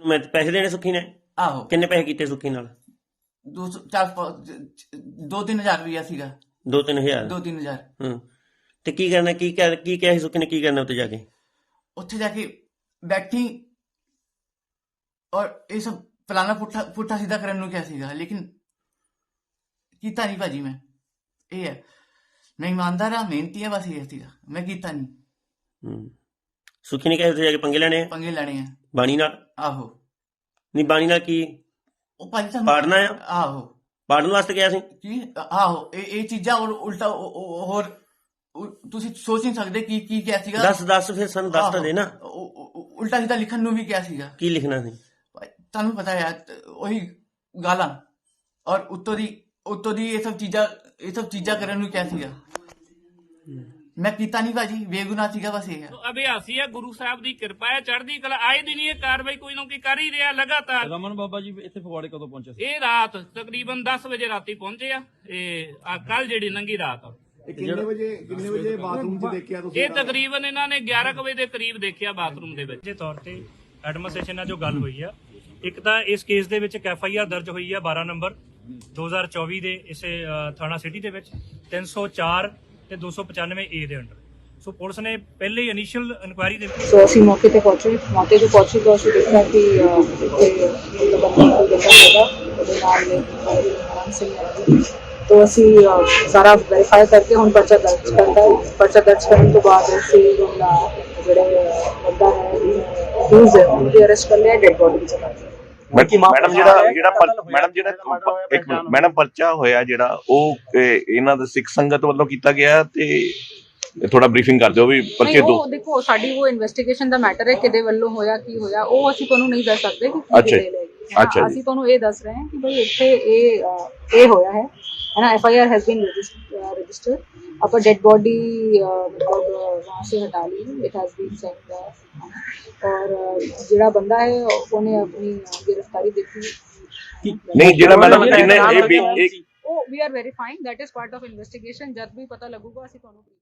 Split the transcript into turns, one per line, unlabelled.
मैं पैसे देने सुखी ने?
आहो
किन्ने पैसे कीते सुखी नाल?
2-3 हज़ार रुपया सीगा।
2-3 हज़ार?
2-3 हज़ार।
ਤੇ ਕੀ ਕਰਨਾ, ਕੀ ਕਿਹਾ ਸੀ ਸੁੱਖੀ ਨੇ, ਕੀ ਕਰਨਾ ਉੱਥੇ ਜਾ ਕੇ?
ਉੱਥੇ ਜਾ ਕੇ ਬੈਠੀ ਔਰ ਇਹ ਸਭ ਫਲਾਣਾ ਪੁੱਠਾ ਸਿੱਧਾ ਕਰਨ ਨੂੰ ਕਿਹਾ ਸੀਗਾ, ਲੇਕਿਨ ਕੀਤਾ ਨਹੀਂ ਭਾਜੀ। ਮੈਂ ਇਹ ਹੈ, ਮੈਂ ਇਮਾਨਦਾਰ ਆ, ਮਿਹਨਤੀ ਆ, ਬਸ ਇਹ ਸੀਗਾ, ਮੈਂ ਕੀਤਾ ਨਹੀਂ।
ਸੁੱਖੀ ਨੇ ਕਿਹਾ ਉੱਥੇ ਜਾ ਕੇ ਪੰਗੇ ਲੈਣੇ ਆ?
ਪੰਗੇ ਲੈਣੇ ਆ
ਬਾਣੀ ਨਾਲ?
ਆਹੋ।
ਨਹੀਂ ਬਾਣੀ ਨਾਲ ਕੀ
ਉਹ ਭਾਜੀ ਤੁਹਾਨੂੰ
ਪਾੜਨਾ ਆ?
ਆਹੋ
ਪਾੜਨ ਵਾਸਤੇ ਗਿਆ ਸੀ
ਕੀ? ਆਹੋ ਇਹ ਚੀਜ਼ਾਂ ਔਰ ਉਲਟਾ ਹੋਰ ਤੁਸੀਂ ਸੋਚ ਨਹੀਂ ਸਕਦੇ ਕੀ ਕਿਹਾ ਸੀਗਾ।
ਦੱਸ ਫਿਰ ਸਾਨੂੰ ਦੱਸ ਤਾਂ ਦੇ ਨਾ।
ਉਲਟਾ ਸਿੱਧਾ ਲਿਖਣ ਨੂੰ ਵੀ ਕਿਹਾ ਸੀਗਾ।
ਕੀ ਲਿਖਣਾ ਸੀ?
ਤੁਹਾਨੂੰ ਪਤਾ ਹੈ ਉਹੀ ਗਾਲਾਂ ਔਰ ਉੱਤੋਂ ਦੀ ਇਹ ਸਭ ਚੀਜ਼ਾਂ ਕਰਨ ਨੂੰ ਕਿਹਾ ਸੀਗਾ। ਮੈਂ ਕੀਤਾ ਨਹੀਂ ਭਾਜੀ, ਬੇਗੁਨਾਹ ਸੀਗਾ, ਬਸ ਇਹ ਹੈ।
ਅਭਿਆਸੀ ਹੈ, ਗੁਰੂ ਸਾਹਿਬ ਦੀ ਕਿਰਪਾ ਹੈ, ਚੜ੍ਹਦੀ ਕਲਾ। ਆਏ ਦਿਨ ਇਹ ਕਾਰਵਾਈ ਕੋਈ ਨਾ ਕੋਈ ਕਰ ਹੀ ਰਿਹਾ ਲਗਾਤਾਰ।
ਰਮਨ ਬਾਬਾ ਜੀ ਇੱਥੇ ਫਗਵਾੜੇ ਕਦੋਂ ਪਹੁੰਚੇ ਸੀ?
ਇਹ ਰਾਤ ਤਕਰੀਬਨ 10 ਵਜੇ ਰਾਤੀ ਪਹੁੰਚੇ ਆ। ਇਹ ਕੱਲ ਜਿਹੜੀ ਲੰਘੀ ਰਾਤ ਆ।
ਕਿੰਨੇ ਵਜੇ ਬਾਥਰੂਮ 'ਚ ਦੇਖਿਆ ਤੁਸੀਂ?
ਇਹ ਤਕਰੀਬਨ ਇਹਨਾਂ ਨੇ 11 ਵਜੇ ਦੇ ਕਰੀਬ ਦੇਖਿਆ ਬਾਥਰੂਮ ਦੇ ਵਿੱਚ।
ਦੇ ਤੌਰ ਤੇ ਐਡਮਿਨਿਸਟ੍ਰੇਸ਼ਨ ਨਾਲ ਜੋ ਗੱਲ ਹੋਈ ਆ, ਇੱਕ ਤਾਂ ਇਸ ਕੇਸ ਦੇ ਵਿੱਚ ਇੱਕ FIR ਦਰਜ ਹੋਈ ਆ 12 ਨੰਬਰ 2024 ਦੇ ਇਸੇ ਥਾਣਾ ਸਿਟੀ ਦੇ ਵਿੱਚ 304 ਤੇ 295A ਦੇ ਅੰਡਰ। ਸੋ ਪੁਲਿਸ ਨੇ ਪਹਿਲੇ ਹੀ ਇਨੀਸ਼ੀਅਲ ਇਨਕੁਆਇਰੀ ਦੇ ਵਿੱਚ
ਅਸੀਂ ਮੌਕੇ ਤੇ ਪਹੁੰਚੇ ਤਾਂ ਅਸੀਂ ਦੇਖਿਆ ਕਿ ਇੱਥੇ ਬੰਦਾ ਕੋਈ ਬੰਦਾ ਹੈਗਾ, ਉਹਦੇ ਨਾਲ ਆਰਾਮ ਸਿੰਘ। तो ਅਸੀਂ ਸਾਰਾ ਵੈਰੀਫਾਈ ਕਰਕੇ ਹੁਣ ਪਰਚਾ ਦਰਜ ਕਰਨ ਤੋਂ ਬਾਅਦ ਅਸੀਂ ਜਿਹੜਾ ਬੰਦਾ ਹੈ ਅਕਿਊਜ਼ ਹੈ ਉਹਦੀ ਅਰੈਸਟ ਕਰ ਲਿਆ, ਡੈਡ ਬੋਡੀ ਚ ਕਰ
ਮੈਡਮ ਪਰਚਾ ਹੋਇਆ ਜਿਹੜਾ ਉਹ ਇਹਨਾਂ ਦਾ ਸਿੱਖ ਸੰਗਤ ਵੱਲੋਂ ਕੀਤਾ ਗਿਆ ਤੇ ਥੋੜਾ ਬਰੀਫਿੰਗ ਕਰ ਦਿਓ ਵੀ ਪਰਚੇ ਦੋ।
ਦੇਖੋ ਸਾਡੀ ਉਹ ਇਨਵੈਸਟੀਗੇਸ਼ਨ ਦਾ ਮੈਟਰ ਹੈ, ਕਿਹਦੇ ਵੱਲੋਂ ਹੋਇਆ, ਕੀ ਹੋਇਆ, ਉਹ ਅਸੀਂ ਤੁਹਾਨੂੰ ਨਹੀਂ ਦੱਸ ਸਕਦੇ ਕਿ ਕੀ ਲੈ
ਅੱਛਾ
ਅਸੀਂ ਤੁਹਾਨੂੰ ਇਹ ਦੱਸ ਰਹੇ ਹਾਂ ਕਿ ਭਾਈ ਇੱਥੇ ਇਹ ਹੋਇਆ ਹੈ ना। FIR has been registered. अब डेड बॉडी मतलब वहाँ से हटा ली, इट हैज बीन सेंड। और जिहड़ा बंदा है उन्हें अपनी गिरफ्तारी देखी
नहीं, जिहड़ा मैडम जिन्हें
we are verifying, that is part of investigation. जब भी पता लगूगा ਅਸੀਂ ਤੁਹਾਨੂੰ